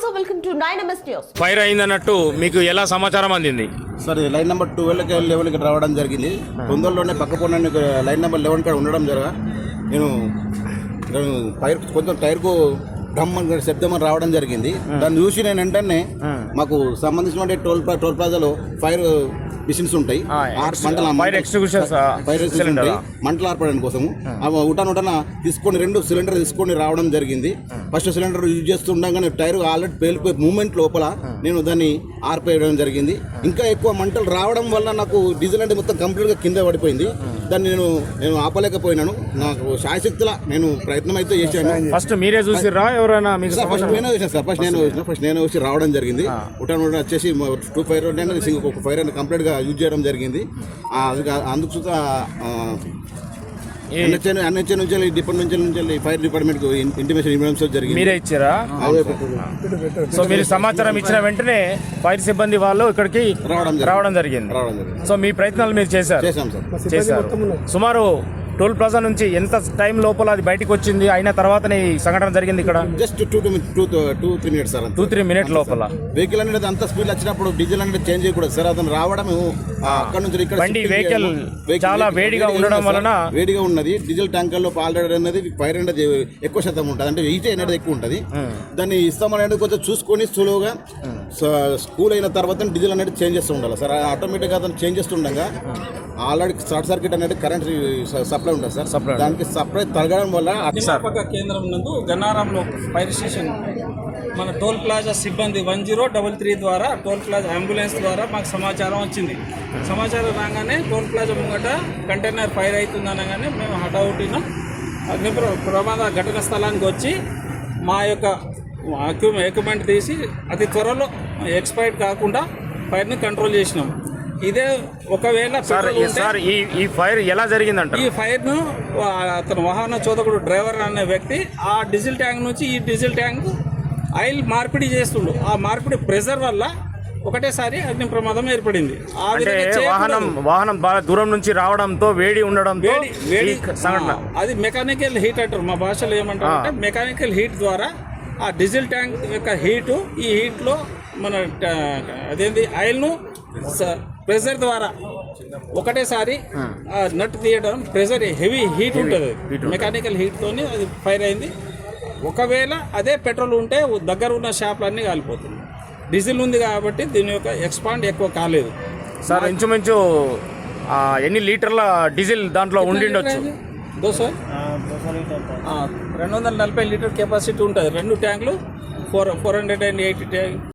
Welcome to 9MS news. Fire అయిందన్నట్టు మీకు ఎలా సమాచారం అందింది? సార్ లైన్ నెంబర్ 12కి 11కి రావడం జరిగింది. తొందరలోనే పక్కపోయిన లైన్ నెంబర్ 11 కాడ ఉండడం జరగా నేను ఫైర్ కొంచెం టైర్కు డ్రమ్ శబ్దం అని రావడం జరిగింది. దాన్ని చూసి నేను వెంటనే మాకు సంబంధించిన టోల్ ప్లాజాలో ఫైర్ మిషన్స్ ఉంటాయి, మంటలు ఆర్పడానికి కోసము ఉటాన తీసుకొని 2 సిలిండర్ తీసుకొని రావడం జరిగింది. ఫస్ట్ సిలిండర్ యూజ్ చేస్తుండగానే టైర్ ఆల్రెడీ పేలిపోయే మూమెంట్ లోపల నేను దాన్ని ఆర్పేయడం జరిగింది. ఇంకా ఎక్కువ మంటలు రావడం వల్ల నాకు డీజిల్ అంటే మొత్తం కంప్లీట్గా కింద పడిపోయింది. దాన్ని నేను ఆపలేకపోయినాను. నాకు శాయశక్తిలా నేను ప్రయత్నం అయితే చేశాను. ఫస్ట్ మీరే చూసిరా ఎవరైనా? ఫస్ట్ నేను వచ్చి రావడం జరిగింది. ఉటాన్ వచ్చేసి 2 ఫైర్ ఒక ఫైర్ అని కంప్లీట్ గా యూజ్ చేయడం జరిగింది. అందుకు డిపార్ట్మెంట్ నుంచి ఫైర్ డిపార్ట్మెంట్ ఇంటిమేషన్ ఇవ్వడం జరిగింది. మీరే ఇచ్చారా? సో మీరు సమాచారం ఇచ్చిన వెంటనే ఫైర్ సిబ్బంది వాళ్ళు ఇక్కడికి రావడం జరిగింది. సో మీ ప్రయత్నాలు మీరు చేశారు. సుమారు టోల్ ప్లాజా నుంచి ఎంత టైం లోపల అది బయటకు వచ్చింది అయిన తర్వాతనే ఈ సంఘటన జరిగింది ఇక్కడ? Just 2-3 minutes sir. 2-3 మినిట్ లోపల వెహికల్ అనేది అంత స్పీడ్ వచ్చినప్పుడు డీజిల్ అనేది చేంజ్ చేయకూడదు సార్. అతను రావడం అక్కడ నుంచి ఇక్కడ వెహికల్ చాలా వేడిగా ఉండడం వలన వేడిగా ఉన్నది. డీజిల్ ట్యాంకర్ లో ఆల్రెడీ అనేది ఫైర్ అనేది ఎక్కువ శాతం ఉంటుంది, అంటే హీట్ అనేది ఎక్కువ ఉంటుంది. దాన్ని ఇస్తామనేది కొంచెం చూసుకొని స్లోగా స్కూల్ అయిన తర్వాత డీజిల్ అనేది చేంజ్ చేస్తూ ఉండాలి సార్. ఆటోమేటిక్గా అతను చేంజ్ చేస్తుండగా ఆల్రెడీ షార్ట్ సర్క్యూట్ అనేది కరెంట్ సప్లై ఉంటుంది సార్. దానికి సప్లై తగ్గడం వల్ల అగ్నిమాపక కేంద్రం నందు గన్నారంలో ఫైర్ స్టేషన్ మన టోల్ ప్లాజా సిబ్బంది 1033 ద్వారా టోల్ ప్లాజా అంబులెన్స్ ద్వారా మాకు సమాచారం వచ్చింది. సమాచారం రాగానే టోల్ ప్లాజా ముంగట కంటైనర్ ఫైర్ అవుతుంది అనగానే మేము హఠావుటిన అగ్ని ప్రమాద ఘటన స్థలానికి వచ్చి మా యొక్క ఎక్విప్మెంట్ తీసి అతి త్వరలో ఎక్స్పైర్ కాకుండా ఫైర్ని కంట్రోల్ చేసినాం. ఇదే ఒకవేళ ఈ ఫైర్ ఎలా జరిగిందంట? ఈ ఫైర్ను అతను వాహన చోదకుడు డ్రైవర్ అనే వ్యక్తి ఆ డీజిల్ ట్యాంక్ నుంచి ఈ డీజిల్ ట్యాంక్ ఆయిల్ మార్పిడి చేస్తుండు. ఆ మార్పిడి ప్రెషర్ వల్ల ఒకటేసారి అగ్ని ప్రమాదం ఏర్పడింది. వాహనం బాగా దూరం నుంచి రావడంతో వేడి ఉండడంతో అది మెకానికల్ హీట్ అంటారు. మా భాషలో ఏమంటారు అంటే మెకానికల్ హీట్ ద్వారా ఆ డీజిల్ ట్యాంక్ యొక్క హీటు ఈ హీట్లో మన అదేంటి ఆయిల్ను ప్రెషర్ ద్వారా ఒకటేసారి నట్ తీయడం, ప్రెషర్ హెవీ హీట్ ఉంటుంది, మెకానికల్ హీట్తోని అది ఫైర్ అయింది. ఒకవేళ అదే పెట్రోల్ ఉంటే దగ్గర ఉన్న షాపులన్నీ కాలిపోతుంది. డీజిల్ ఉంది కాబట్టి దీని యొక్క ఎక్స్పాండ్ ఎక్కువ కాలేదు సార్. ఇంచుమించు ఎన్ని లీటర్ల డీజిల్ దాంట్లో ఉండిండొచ్చు? 240 లీటర్ కెపాసిటీ ఉంటుంది. 2 ట్యాంకులు 480 ట్యాంక్